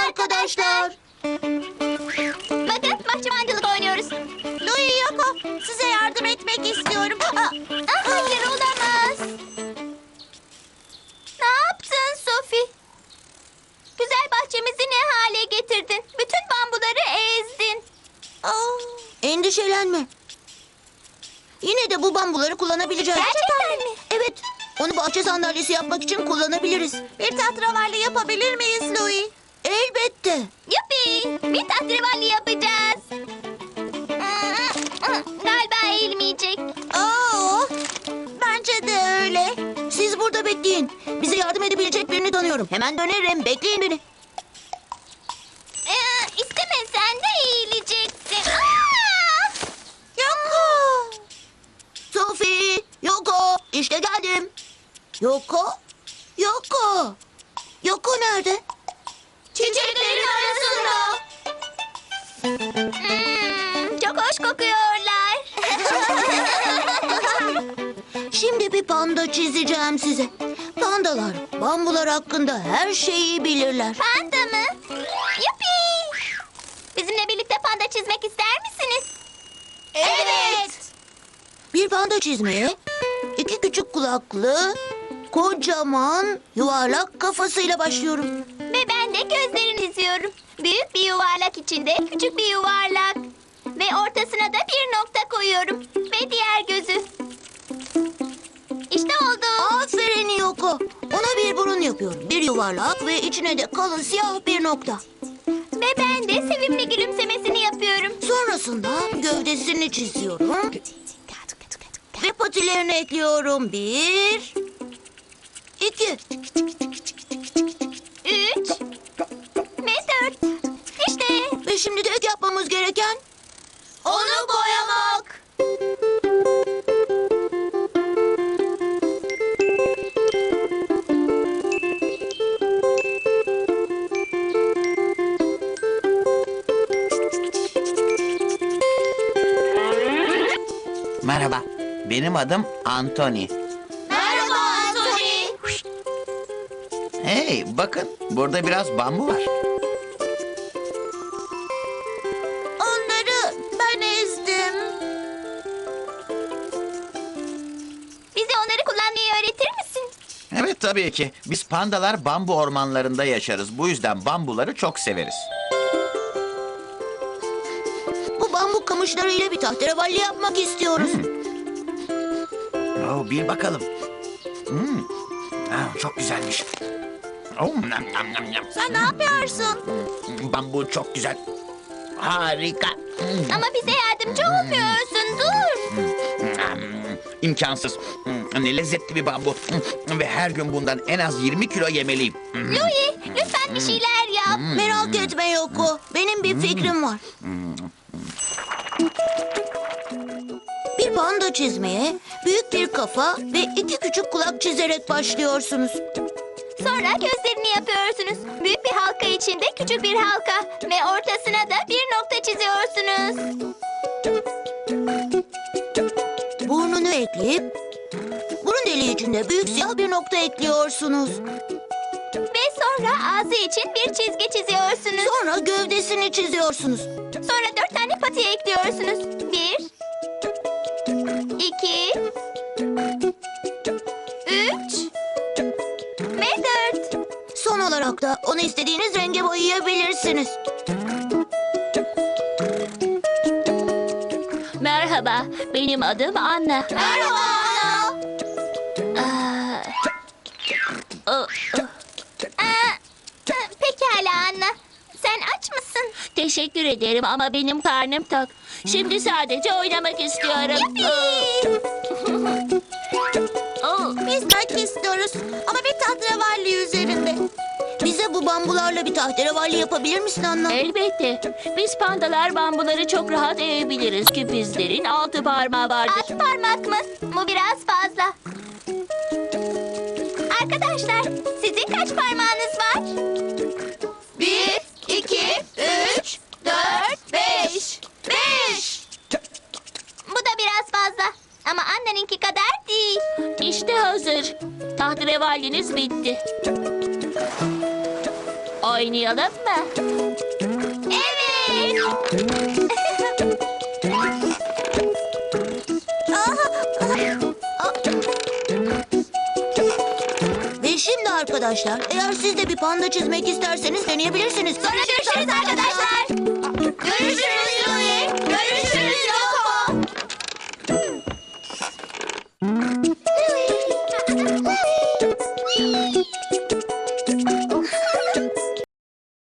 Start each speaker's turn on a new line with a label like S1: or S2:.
S1: arkadaşlar.
S2: Bakın bahçıvancılık oynuyoruz.
S1: Louie, Yoko, size yardım etmek istiyorum.
S2: Hayır olamaz. Ne yaptın Sophie? Güzel bahçemizi ne hale getirdin? Bütün bambuları ezdin.
S1: Endişelenme. Yine de bu bambuları kullanabileceğiz.
S2: Gerçekten mi?
S1: Evet. Onu bahçe sandalyesi yapmak için kullanabiliriz. Bir tatravalli yapabilir miyiz Louie? Elbette.
S2: Yuppi! Bir tahterevalli yapacağız. Galiba eğilmeyecek.
S1: Bence de öyle. Siz burada bekleyin. Bize yardım edebilecek birini tanıyorum. Hemen dönerim. Bekleyin beni.
S2: İstemesen de eğileceksin.
S1: Yoko. Sophie. Yoko. İşte geldim. Yoko. Yoko. Yoko nerede?
S2: Çiçeklerin arasında. Çok hoş kokuyorlar.
S1: Şimdi bir panda çizeceğim size. Pandalar bambular hakkında her şeyi bilirler.
S2: Panda mı? Yuppi! Bizimle birlikte panda çizmek ister misiniz? Evet.
S1: Bir panda çizmeye iki küçük kulaklı, kocaman, yuvarlak kafasıyla başlıyorum.
S2: Ve ben de gözlerini çiziyorum. Büyük bir yuvarlak içinde küçük bir yuvarlak. Ve ortasına da bir nokta koyuyorum. Ve diğer gözü. İşte oldu.
S1: Aferin Yoko. Ona bir burun yapıyorum. Bir yuvarlak ve içine de kalın siyah bir nokta.
S2: Ve ben de sevimli gülümsemesini yapıyorum.
S1: Sonrasında gövdesini çiziyorum. Ve patilerini ekliyorum. 1, 2.
S2: 3 ve 4. İşte.
S1: Ve şimdi tek yapmamız gereken
S2: Onu boyamak.
S3: Merhaba, benim adım Anthony.
S2: Merhaba Anthony.
S3: Hey, bakın burada biraz bambu var.
S1: onları ben ezdim.
S2: Bize onları kullanmayı öğretir misin?
S3: Evet tabii ki. Biz pandalar bambu ormanlarında yaşarız. Bu yüzden bambuları çok severiz.
S1: Bu bambu kamışlarıyla bir tahterevalli yapmak istiyoruz.
S3: Bir bakalım. Çok güzelmiş. Nam, nam, nam, nam.
S1: Sen ne yapıyorsun?
S3: Bambu çok güzel. Harika.
S2: Ama bize yardımcı olmuyorsun. Dur.
S3: İmkansız. Ne lezzetli bir bambu. Ve her gün bundan en az 20 kilo yemeliyim.
S2: Louie, lütfen bir şeyler yap.
S1: Merak etme Yoko. Benim bir fikrim var. Bir panda çizmeye büyük bir kafa ve iki küçük kulak çizerek başlıyorsunuz.
S2: Sonra gözlerini yapıyorsunuz. Büyük bir halka içinde küçük bir halka. Ve ortasına da bir nokta çiziyorsunuz.
S1: Burnunu ekleyip burun deliği içinde büyük siyah bir nokta ekliyorsunuz.
S2: Ve sonra ağzı için bir çizgi çiziyorsunuz.
S1: Sonra gövdesini çiziyorsunuz.
S2: Sonra 4 tane pati ekliyorsunuz. 1 2 3 ve 4.
S1: Son olarak da onu istediğiniz renge boyayabilirsiniz.
S4: Merhaba, benim adım Anna.
S2: Merhaba Ana. Pekala Anna. Sen aç mısın?
S4: Teşekkür ederim ama benim karnım tok. Şimdi sadece oynamak istiyorum.
S1: Biz belki istiyoruz ama bir tahterevalli üzerinde. Bize bu bambularla bir tahterevalli yapabilir misin Anna?
S4: Elbette. Biz pandalar bambuları çok rahat eğebiliriz ki bizlerin 6 parmağı vardır.
S2: 6 parmak mı? Bu biraz fazla. Arkadaşlar, sizin kaç parmağınız var? 1 2 3 4 5 5. Bu da biraz fazla. Ama anneninki kadar değil.
S4: İşte hazır. Tahterevalliniz bitti. Ay oynayalım mı?
S2: Evet.
S1: Ve şimdi arkadaşlar, eğer siz de bir panda çizmek isterseniz deneyebilirsiniz.
S2: Sonra görüşürüz arkadaşlar. Görüşürüz Louie. Görüşürüz Yoko.